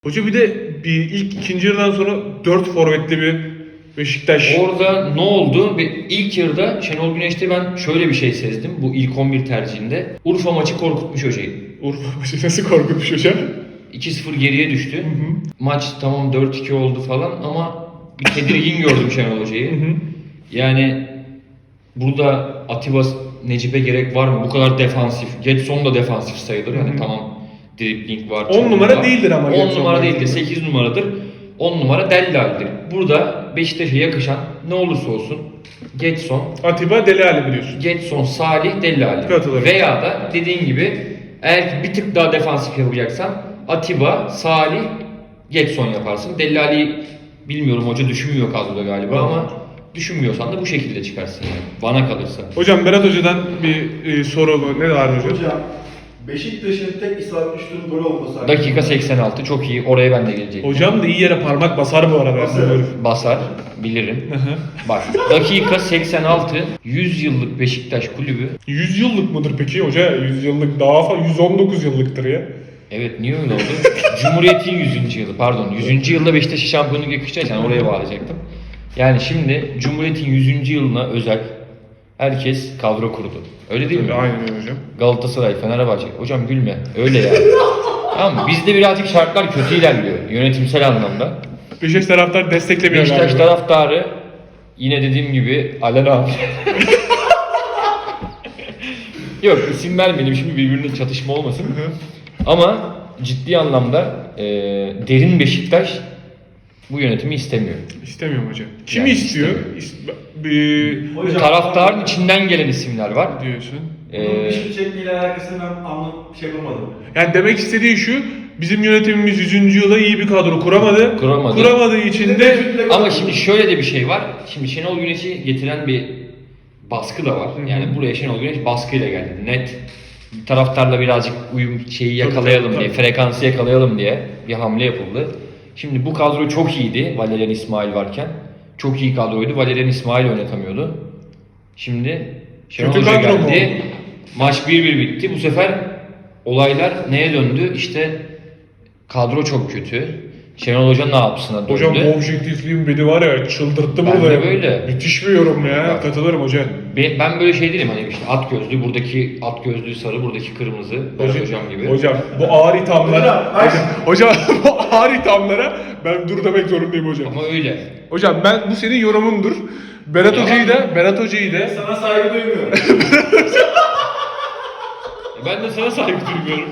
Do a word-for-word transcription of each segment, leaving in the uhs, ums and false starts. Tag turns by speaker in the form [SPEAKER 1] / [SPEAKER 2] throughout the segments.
[SPEAKER 1] Hoca bir de bir ilk ikinci yarıdan sonra dört forvetli bir Beşiktaş.
[SPEAKER 2] Orada ne oldu? Bir ilk yarıda Şenol Güneş'te ben şöyle bir şey sezdim bu ilk on bir tercihinde. Urfa maçı korkutmuş hocayı.
[SPEAKER 1] Urfa maçı nasıl korkutmuş hocam?
[SPEAKER 2] iki sıfır geriye düştü.
[SPEAKER 1] Hı hı.
[SPEAKER 2] Maç tamam dört iki oldu falan ama bir tedirgin gördüm Şenol Hoca'yı.
[SPEAKER 1] Hı hı.
[SPEAKER 2] Yani burada Atiba Necip'e gerek var mı? Bu kadar defansif. Getson da defansif sayılır. Yani
[SPEAKER 1] Hı hı.
[SPEAKER 2] tamam dribbling var.
[SPEAKER 1] on numara
[SPEAKER 2] var.
[SPEAKER 1] değildir ama
[SPEAKER 2] on
[SPEAKER 1] Getson
[SPEAKER 2] numara
[SPEAKER 1] bence.
[SPEAKER 2] değildir. sekiz numaradır. on numara Dellal'dir. Burada Beşiktaş'a yakışan ne olursa olsun Getson,
[SPEAKER 1] Atiba Dele Ali biliyorsun.
[SPEAKER 2] Getson, Salih, Dellali.
[SPEAKER 1] Katılırım.
[SPEAKER 2] Veya da dediğin gibi eğer bir tık daha defansif yapacaksan Atiba, Salih, Getson yaparsın. Dellali'yi bilmiyorum hoca düşünmüyor kadroda galiba
[SPEAKER 1] Hı.
[SPEAKER 2] ama düşünmüyorsan da bu şekilde çıkarsın yani. Bana kalırsa.
[SPEAKER 1] Hocam Berat Hoca'dan bir e, soru ne var hocam?
[SPEAKER 3] Hocam, Beşiktaş'ın tek isabet düştüğün gol olması.
[SPEAKER 2] Dakika seksen altı çok iyi. Oraya ben de gelecektim.
[SPEAKER 1] Hocam da iyi yere parmak basar bu arada.
[SPEAKER 3] Basar.
[SPEAKER 1] Herif.
[SPEAKER 2] Basar. Bilirim.
[SPEAKER 1] Hı hı.
[SPEAKER 2] Bak dakika seksen altı yüz yıllık Beşiktaş kulübü.
[SPEAKER 1] yüz yıllık mıdır peki hoca? yüz yıllık daha fazla yüz on dokuz yıllıktır ya.
[SPEAKER 2] Evet niye öyle oldu? Cumhuriyet'in yüzüncü yılı pardon. yüzüncü yılda Beşiktaş'a şampiyonluk yakışacaksan oraya bağlayacaktım. Yani şimdi Cumhuriyet'in yüzüncü yılına özel herkes kadro kurdu. Öyle değil mi?
[SPEAKER 1] Tabii, aynen öyle hocam.
[SPEAKER 2] Galatasaray, Fenerbahçe. Hocam gülme. Öyle yani. Tamam mı? Bizde birazcık şartlar kötü ilerliyor yönetimsel anlamda.
[SPEAKER 1] Beşiktaş taraftar desteklemiyor
[SPEAKER 2] Beşiktaş
[SPEAKER 1] galiba.
[SPEAKER 2] taraftarı yine dediğim gibi Alen abi. Yok isim vermeyelim şimdi birbirine çatışma olmasın.
[SPEAKER 1] Hı hı.
[SPEAKER 2] Ama ciddi anlamda e, derin Beşiktaş bu yönetimi istemiyor.
[SPEAKER 1] İstemiyorum hocam. Kimi
[SPEAKER 2] Yani
[SPEAKER 1] istiyor? İst- bir
[SPEAKER 3] Hocam,
[SPEAKER 2] Taraftarın içinden gelen isimler var.
[SPEAKER 1] diyorsun.
[SPEAKER 3] Bunun
[SPEAKER 2] E,
[SPEAKER 3] bir şey çekmeyle alakasını ben anlam şey yapamadım.
[SPEAKER 1] Yani demek istediği şu, bizim yönetimimiz yüzüncü yıla iyi bir kadro kuramadı.
[SPEAKER 2] Kuramadı.
[SPEAKER 1] Kuramadığı için de
[SPEAKER 2] ama şimdi şöyle de bir şey var. Şimdi Şenol Güneş'i getiren bir baskı da var.
[SPEAKER 1] Hı hı.
[SPEAKER 2] Yani buraya Şenol Güneş baskıyla geldi. Net taraftarla birazcık uyum şeyi yakalayalım
[SPEAKER 1] Tabii,
[SPEAKER 2] diye,
[SPEAKER 1] tabii.
[SPEAKER 2] frekansı yakalayalım diye bir hamle yapıldı. Şimdi bu kadro çok iyiydi Valerian İsmail varken. Çok iyi kadroydu. Valerian İsmail oynatamıyordu. Şimdi Şenol
[SPEAKER 1] Kötü
[SPEAKER 2] Hoca
[SPEAKER 1] kadro mu
[SPEAKER 2] geldi.
[SPEAKER 1] oldu?
[SPEAKER 2] Maç bir bir bitti. Bu sefer olaylar neye döndü? İşte kadro çok kötü. Şenol Hoca ne yapsına döndü.
[SPEAKER 1] hocam bu objektifliğim beni var ya çıldırttı
[SPEAKER 2] Ben
[SPEAKER 1] burada.
[SPEAKER 2] de
[SPEAKER 1] ya.
[SPEAKER 2] böyle.
[SPEAKER 1] Müthiş bir yorum ya.
[SPEAKER 2] Bak.
[SPEAKER 1] Katılırım hocam.
[SPEAKER 2] Ben, ben böyle şey değilim hani işte at gözlü, buradaki at gözlüğü sarı, buradaki kırmızı. Berat hocam gibi.
[SPEAKER 1] Hocam bu ağır ithamlara
[SPEAKER 3] Hocam, ay-
[SPEAKER 1] hocam, hocam bu ağır ithamlara ben dur demek zorundayım hocam.
[SPEAKER 2] Ama öyle.
[SPEAKER 1] Hocam ben bu senin yorumundur. Berat
[SPEAKER 2] Yalan
[SPEAKER 1] Hoca'yı
[SPEAKER 2] mı?
[SPEAKER 1] da Berat Hoca'yı da
[SPEAKER 3] Sana saygı duymuyorum.
[SPEAKER 2] E Ben de sana saygı duymuyorum.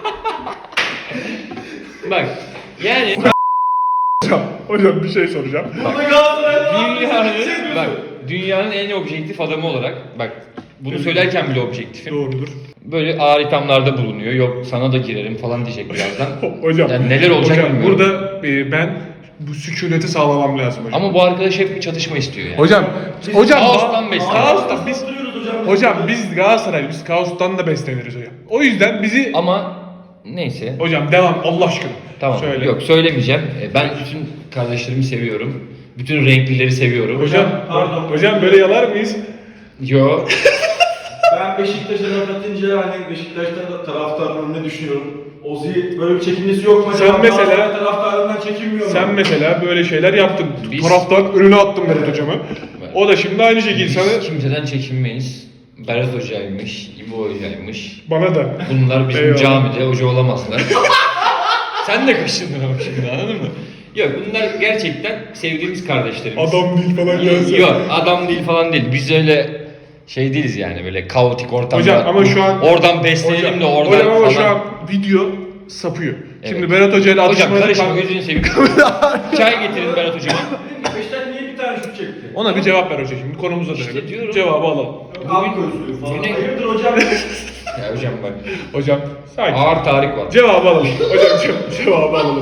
[SPEAKER 2] Bak yani
[SPEAKER 1] hocam, hocam bir şey soracağım.
[SPEAKER 3] Burada Galatasaray'da
[SPEAKER 2] dünyanın
[SPEAKER 3] şey
[SPEAKER 2] bak dünyanın en objektif adamı olarak bak bunu söylerken bile objektifim.
[SPEAKER 1] Doğrudur.
[SPEAKER 2] Böyle ağır ithamlarda bulunuyor. Yok sana da girerim falan diyecek birazdan.
[SPEAKER 1] Hocam.
[SPEAKER 2] Yani neler olacak
[SPEAKER 1] hocam,
[SPEAKER 2] bilmiyorum.
[SPEAKER 1] burada e, ben bu sükuneti sağlamam lazım hocam.
[SPEAKER 2] Ama bu arkadaş hep bir çatışma istiyor yani.
[SPEAKER 1] Hocam,
[SPEAKER 3] Biz
[SPEAKER 1] hocam
[SPEAKER 2] kaostan besleniyoruz.
[SPEAKER 1] Kaostan biz
[SPEAKER 3] Duruyoruz hocam.
[SPEAKER 1] hocam biz Galatasaray biz kaostan da besleniriz hocam. O yüzden bizi
[SPEAKER 2] Ama neyse.
[SPEAKER 1] hocam devam Allah aşkına.
[SPEAKER 2] Tamam.
[SPEAKER 1] Söyle.
[SPEAKER 2] Yok söylemeyeceğim. E, Ben bütün kardeşlerimi seviyorum. Bütün renklileri seviyorum.
[SPEAKER 1] Hocam,
[SPEAKER 3] Pardon.
[SPEAKER 1] hocam böyle yalar mıyız?
[SPEAKER 2] Yo.
[SPEAKER 3] Ben Beşiktaş'a laf atınca hani Beşiktaş'ta taraftarlarım ne düşünüyorum? Ozi böyle bir çekinmesi yok mu?
[SPEAKER 1] Sen
[SPEAKER 3] acaba?
[SPEAKER 1] mesela-
[SPEAKER 3] Galatasaray taraftarlarından çekinmiyor mu?
[SPEAKER 1] Sen mesela böyle şeyler yaptın.
[SPEAKER 2] Biz-
[SPEAKER 1] Taraftan önüne attın Berat hocamı. O da şimdi aynı şekilde sana
[SPEAKER 2] Biz kimseden çekinmeyiz. Berat Hoca'ymış, İbo Hoca'ymış.
[SPEAKER 1] bana da.
[SPEAKER 2] Bunlar bizim
[SPEAKER 1] Eyvallah.
[SPEAKER 2] camide hoca olamazlar. Sen de kaşındın ama şimdi anladın mı? Yok bunlar gerçekten sevdiğimiz kardeşlerimiz.
[SPEAKER 1] Adam değil falan gelse.
[SPEAKER 2] Yok adam değil falan değil. Biz öyle şey değiliz yani böyle kaotik ortamda.
[SPEAKER 1] Hocam ama şu an
[SPEAKER 2] Oradan beslenelim de oradan
[SPEAKER 1] hocam ama
[SPEAKER 2] falan.
[SPEAKER 1] şu an video sapıyor. Şimdi
[SPEAKER 2] Evet.
[SPEAKER 1] Berat Hoca ile
[SPEAKER 2] Hocam
[SPEAKER 1] atışmada
[SPEAKER 2] karışma
[SPEAKER 1] kal-
[SPEAKER 2] gözünü seveyim. Çay getirin Berat hocama.
[SPEAKER 3] Beşiktaş niye bir tane şut çekti?
[SPEAKER 1] Ona bir cevap ver hoca şimdi konumuza
[SPEAKER 2] İşte
[SPEAKER 1] dönelim.
[SPEAKER 2] diyorum.
[SPEAKER 1] Cevabı alalım.
[SPEAKER 3] Yok abi gözlüğü falan.
[SPEAKER 2] Güne-
[SPEAKER 3] Hayırdır hocam?
[SPEAKER 2] Ya hocam bak.
[SPEAKER 1] Hocam sakin.
[SPEAKER 2] Ağır tarih var.
[SPEAKER 1] Cevabı alalım. Hocam ce- cevabı alalım.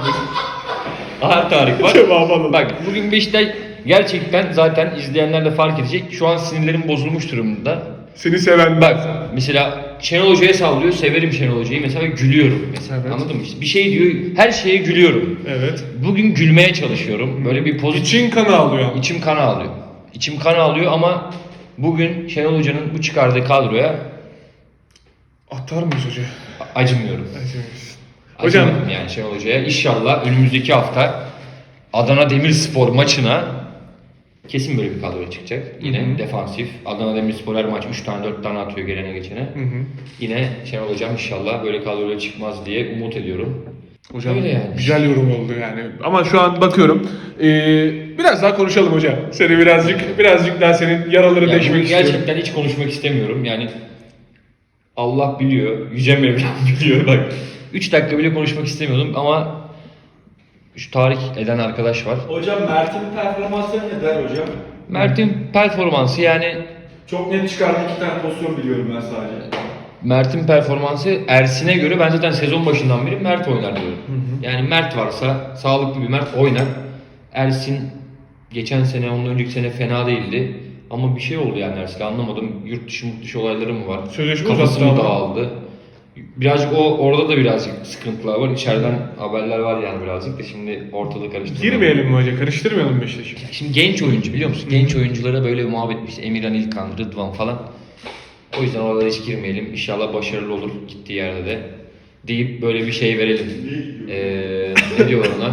[SPEAKER 2] Ağır tarih var.
[SPEAKER 1] Cevabı alalım.
[SPEAKER 2] Bak bugün Beşiktaş gerçekten zaten izleyenler de fark edecek. Şu an sinirlerim bozulmuş durumda.
[SPEAKER 1] Seni seven
[SPEAKER 2] Bak mesela Şenol Hoca'ya sallıyor. Severim Şenol Hoca'yı. Mesela gülüyorum. Mesela,
[SPEAKER 1] Evet.
[SPEAKER 2] anladın mı? İşte bir şey diyor. Her şeye gülüyorum.
[SPEAKER 1] Evet.
[SPEAKER 2] Bugün gülmeye çalışıyorum. Böyle bir pozitif.
[SPEAKER 1] İçin kanı alıyor.
[SPEAKER 2] İçim kan ağlıyor. İçim kan ağlıyor ama bugün Şenol Hoca'nın bu çıkardığı kadroya
[SPEAKER 1] Atar mıyız hoca?
[SPEAKER 2] acımıyorum.
[SPEAKER 1] Acımıyoruz. Hocam-
[SPEAKER 2] Acımadım yani Şenol Hoca'ya. İnşallah önümüzdeki hafta Adana Demirspor maçına kesin böyle bir kadro çıkacak. Yine
[SPEAKER 1] Hı hı.
[SPEAKER 2] defansif. Adana Demirspor her maç üç tane dört tane atıyor gelene geçene.
[SPEAKER 1] Hı hı.
[SPEAKER 2] Yine Şenol Hocam inşallah böyle kadroyla çıkmaz diye umut ediyorum.
[SPEAKER 1] Hocam
[SPEAKER 2] Öyle yani.
[SPEAKER 1] güzel yorum oldu yani. Ama şu an bakıyorum. Ee, biraz daha konuşalım hocam. Seni birazcık birazcık daha senin yaraları
[SPEAKER 2] Ya
[SPEAKER 1] deşmek
[SPEAKER 2] bunu
[SPEAKER 1] istiyorum.
[SPEAKER 2] gerçekten hiç konuşmak istemiyorum. Yani Allah biliyor, Yüce Mevlam biliyor. Bak üç dakika bile konuşmak istemiyordum ama şu tahrik eden arkadaş var.
[SPEAKER 3] Hocam Mert'in performansları ne der hocam?
[SPEAKER 2] Mert'in performansı yani
[SPEAKER 3] Çok net çıkardı, iki tane pozisyon biliyorum ben sadece.
[SPEAKER 2] Mert'in performansı Ersin'e göre ben zaten sezon başından beri Mert oynar diyorum. Yani Mert varsa sağlıklı bir Mert oynar. Ersin geçen sene ondan önceki sene fena değildi. Ama bir şey oldu yani Ersin'e anlamadım. Yurt dışı mut dışı olayları mı var?
[SPEAKER 1] Sözleşme
[SPEAKER 2] Kafası
[SPEAKER 1] uzattı
[SPEAKER 2] mı
[SPEAKER 1] ama.
[SPEAKER 2] dağıldı? Birazcık o orada da birazcık sıkıntılar var. İçeriden haberler var yani birazcık da şimdi ortalığı karıştırmayalım.
[SPEAKER 1] Girmeyelim mi hoca? Karıştırmayalım Beşiktaş'ı.
[SPEAKER 2] Şimdi genç oyuncu biliyor musun? Genç oyunculara böyle bir muhabbet işte Emirhan İlkan, Rıdvan falan. O yüzden oralara hiç girmeyelim. İnşallah başarılı olur gittiği yerde de. Deyip böyle bir şey verelim. Ee, ne diyorlar ona?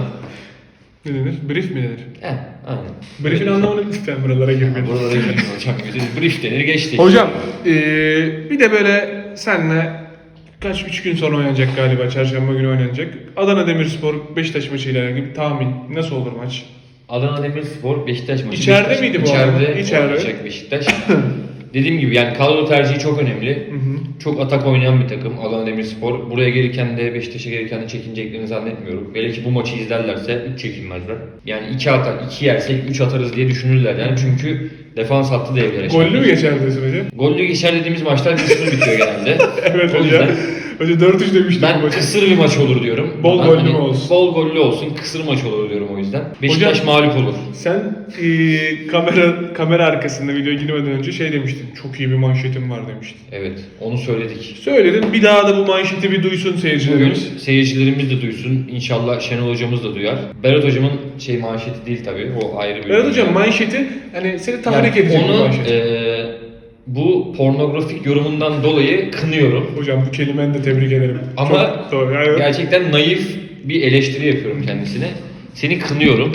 [SPEAKER 1] Ne denir? Brief mi denir?
[SPEAKER 2] Heh, aynen.
[SPEAKER 1] Brief'in anlamını lütfen buralara girmeyelim.
[SPEAKER 2] Buralara girmeyelim hocam. Brief denir geçti.
[SPEAKER 1] Hocam ee, bir de böyle senle kaç üç gün sonra oynanacak galiba. Çarşamba günü oynanacak. Adana Demirspor Beşiktaş maçıyla ilgili bir tahmin. Nasıl olur maç?
[SPEAKER 2] Adana Demirspor Beşiktaş maçı.
[SPEAKER 1] İçeride
[SPEAKER 2] Beşiktaş,
[SPEAKER 1] miydi bu
[SPEAKER 2] İçeride
[SPEAKER 1] arada? İçeride.
[SPEAKER 2] oynayacak Beşiktaş. Dediğim gibi yani kadro tercihi çok önemli.
[SPEAKER 1] Hı hı.
[SPEAKER 2] Çok atak oynayan bir takım Adana Demirspor. Buraya gelirken de Beşiktaş'a gelirken de çekineceklerini zannetmiyorum. Belki bu maçı izlerlerse üç çekinmezler. Yani iki atar, iki yersek üç atarız diye düşünürler yani çünkü defans hattı devreye
[SPEAKER 1] Gollü mü geçer diyorsun hocam?
[SPEAKER 2] Gollü geçer dediğimiz maçlar kısır bitiyor genelde.
[SPEAKER 1] Evet
[SPEAKER 2] O
[SPEAKER 1] hocam.
[SPEAKER 2] yüzden
[SPEAKER 1] Hoca dört üç demiştim bu
[SPEAKER 2] ben
[SPEAKER 1] maçı.
[SPEAKER 2] kısır bir maç olur diyorum.
[SPEAKER 1] Bol
[SPEAKER 2] Ben
[SPEAKER 1] gollü
[SPEAKER 2] hani
[SPEAKER 1] mü olsun?
[SPEAKER 2] Bol gollü olsun, kısır maç olur diyorum o yüzden. Beşiktaş
[SPEAKER 1] Hocam-
[SPEAKER 2] mağlup olur.
[SPEAKER 1] Sen e, kamera kamera arkasında videoya girmeden önce şey demiştin. Çok iyi bir manşetim var demiştin.
[SPEAKER 2] Evet, onu söyledik.
[SPEAKER 1] Söyledin. Bir daha da bu manşeti bir duysun
[SPEAKER 2] Bugün
[SPEAKER 1] seyircilerimiz.
[SPEAKER 2] seyircilerimiz de duysun. İnşallah Şenol hocamız da duyar. Berat hocamın şey manşeti değil tabii. O ayrı bir.
[SPEAKER 1] Berat hocam manşeti hani seni tahrik
[SPEAKER 2] yani
[SPEAKER 1] edecek bir
[SPEAKER 2] onu
[SPEAKER 1] manşet.
[SPEAKER 2] eee, bu pornografik yorumundan dolayı kınıyorum.
[SPEAKER 1] Hocam bu kelimeni de tebrik ederim.
[SPEAKER 2] Ama
[SPEAKER 1] Çok doğru. Yani,
[SPEAKER 2] gerçekten naif bir eleştiri yapıyorum kendisine. Seni kınıyorum.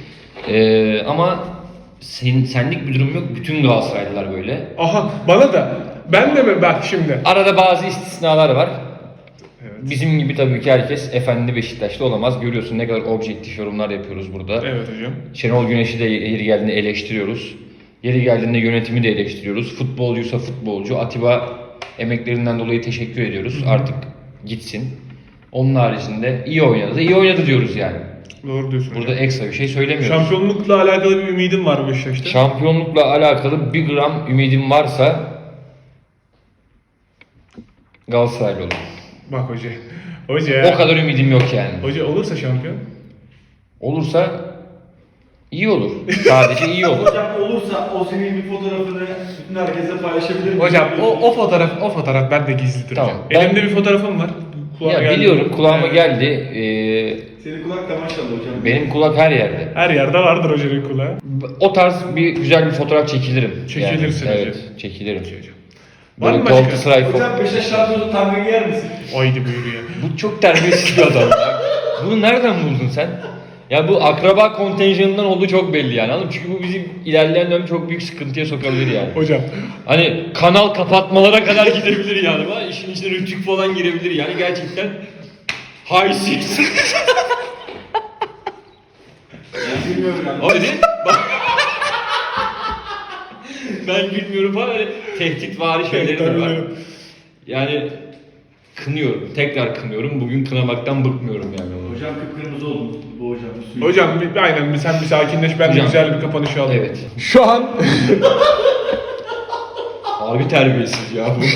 [SPEAKER 2] Eee, ama sen, senlik bir durum yok. Bütün Galatasaraylılar böyle.
[SPEAKER 1] aha bana da. Ben de mi? Bak şimdi.
[SPEAKER 2] Arada bazı istisnalar var.
[SPEAKER 1] Evet.
[SPEAKER 2] Bizim gibi tabii ki herkes efendi Beşiktaşlı olamaz. Görüyorsun ne kadar objektif yorumlar yapıyoruz burada.
[SPEAKER 1] Evet hocam.
[SPEAKER 2] Şenol Güneş'i de yeri geldiğinde eleştiriyoruz. Yeri geldiğinde yönetimi de eleştiriyoruz. Futbolcuysa futbolcu. Atiba emeklerinden dolayı teşekkür ediyoruz. Artık gitsin. Onun haricinde iyi oynadı. İyi oynadı diyoruz yani.
[SPEAKER 1] Doğru diyorsun
[SPEAKER 2] Burada
[SPEAKER 1] hocam.
[SPEAKER 2] ekstra bir şey söylemiyoruz.
[SPEAKER 1] Şampiyonlukla alakalı bir ümidim var Beşiktaş'ta.
[SPEAKER 2] Şampiyonlukla alakalı bir gram ümidim varsa Galatasaraylı olur.
[SPEAKER 1] Bak hoca. Hoca.
[SPEAKER 2] O kadar ümidim yok yani.
[SPEAKER 1] Hoca olursa şampiyon.
[SPEAKER 2] Olursa iyi olur. Sadece iyi olur.
[SPEAKER 3] Hocam olursa o senin bir fotoğrafını bütün herkese paylaşabilir miyim?
[SPEAKER 1] Hocam o, o fotoğraf o fotoğraf bende gizlidir
[SPEAKER 2] Tamam,
[SPEAKER 1] hocam.
[SPEAKER 2] ben-
[SPEAKER 1] Elimde bir fotoğrafım var. Kulağıma
[SPEAKER 2] Ya
[SPEAKER 1] geldi.
[SPEAKER 2] biliyorum kulağıma
[SPEAKER 1] Evet.
[SPEAKER 2] geldi. Ee,
[SPEAKER 3] Senin kulak da maşallah hocam.
[SPEAKER 2] benim kulak her yerde.
[SPEAKER 1] Her yerde vardır hocanın kulağı.
[SPEAKER 2] O tarz bir güzel bir fotoğraf çekilirim.
[SPEAKER 1] Çekilirsin
[SPEAKER 2] yani,
[SPEAKER 1] hocam.
[SPEAKER 2] Evet, çekilirim.
[SPEAKER 1] Var
[SPEAKER 2] Böyle
[SPEAKER 1] mı başka?
[SPEAKER 2] Galatasaray
[SPEAKER 3] Hocam
[SPEAKER 2] fotoğrafı.
[SPEAKER 3] Beşiktaş şampiyonu tanga giyer misin?
[SPEAKER 1] Haydi buyur ya.
[SPEAKER 2] Bu çok terbiyesiz bir adam ya. Bunu nereden buldun sen? Ya bu akraba kontenjanından olduğu çok belli yani anladın mı? Çünkü bu bizim ilerleyen dönem çok büyük sıkıntıya sokabilir yani.
[SPEAKER 1] Hocam.
[SPEAKER 2] Hani kanal kapatmalara kadar gidebilir yani. Var. İşin içine rütük falan girebilir yani gerçekten. Haysiz.
[SPEAKER 3] Ben bilmiyorum yani.
[SPEAKER 2] Hadi bak. Ben gülmüyorum falan öyle tehditvari şeyleri de var. Yani kınıyorum. Tekrar kınıyorum. Bugün kınamaktan bıkmıyorum yani. onu.
[SPEAKER 3] Hocam kıpkırmızı oldun bu hocam. üstüne.
[SPEAKER 1] Hocam bir, aynen bir, sen bir sakinleş ben de
[SPEAKER 2] Hocam.
[SPEAKER 1] güzel bir kapanış alayım.
[SPEAKER 2] Evet.
[SPEAKER 1] Şu an
[SPEAKER 2] Harbi terbiyesiz ya bu.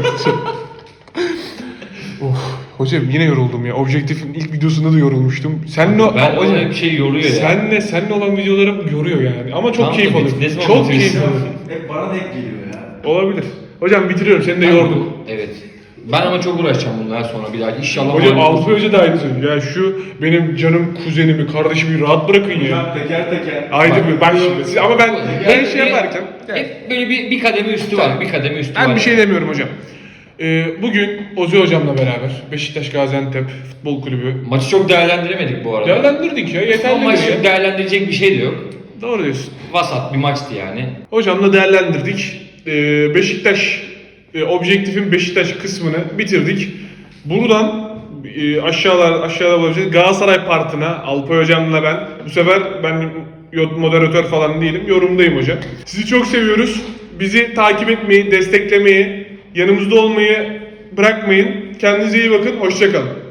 [SPEAKER 1] oh, hocam yine yoruldum ya. Objektifin ilk videosunda da yorulmuştum. Senle o-
[SPEAKER 2] Ben
[SPEAKER 1] hocam,
[SPEAKER 2] öyle bir şey yoruyor ya.
[SPEAKER 1] senle senle olan videolarım yoruyor yani. Ama çok
[SPEAKER 2] Tamam da
[SPEAKER 1] keyif
[SPEAKER 2] biz
[SPEAKER 1] alıyorum.
[SPEAKER 2] ne zaman
[SPEAKER 1] Çok
[SPEAKER 2] bakıyoruz
[SPEAKER 1] keyif
[SPEAKER 2] ya?
[SPEAKER 1] alıyorum.
[SPEAKER 3] Hep bana denk geliyor ya.
[SPEAKER 1] Olabilir. Hocam bitiriyorum. Seni de
[SPEAKER 2] Ben-
[SPEAKER 1] yordum.
[SPEAKER 2] Evet. Ben ama çok uğraşacağım bundan sonra bir daha. İnşallah
[SPEAKER 1] Hocam
[SPEAKER 2] mağlup
[SPEAKER 1] Altuğ
[SPEAKER 2] oluruz.
[SPEAKER 1] Hoca da aynı söylüyor. Ya şu benim canım kuzenimi, kardeşimi rahat bırakın ya.
[SPEAKER 3] Hocam teker teker.
[SPEAKER 1] Ayrıca
[SPEAKER 2] Bak-
[SPEAKER 1] bir bak şimdi. Siz- Ama ben ben şey yaparken
[SPEAKER 2] Hep böyle bir, bir kademe üstü var. Bir kademe üstü var.
[SPEAKER 1] ben bir şey demiyorum hocam. Ee, bugün Ozi hocamla beraber Beşiktaş Gaziantep Futbol Kulübü
[SPEAKER 2] Maçı çok değerlendiremedik bu arada.
[SPEAKER 1] değerlendirdik ya,
[SPEAKER 2] Ama
[SPEAKER 1] yeterli
[SPEAKER 2] maç
[SPEAKER 1] ya.
[SPEAKER 2] çok değerlendirecek bir şey de yok.
[SPEAKER 1] Doğru diyorsun.
[SPEAKER 2] Vasat bir maçtı yani.
[SPEAKER 1] Hocamla değerlendirdik. Ee, Beşiktaş, e, objektifin Beşiktaş kısmını bitirdik. Buradan e, aşağılar aşağıda bulacağız. Galatasaray partına Alpay hocamla ben. Bu sefer ben moderatör falan değilim. Yorumdayım hocam. Sizi çok seviyoruz. Bizi takip etmeyi, desteklemeyi, yanımızda olmayı bırakmayın. Kendinize iyi bakın. Hoşça kalın.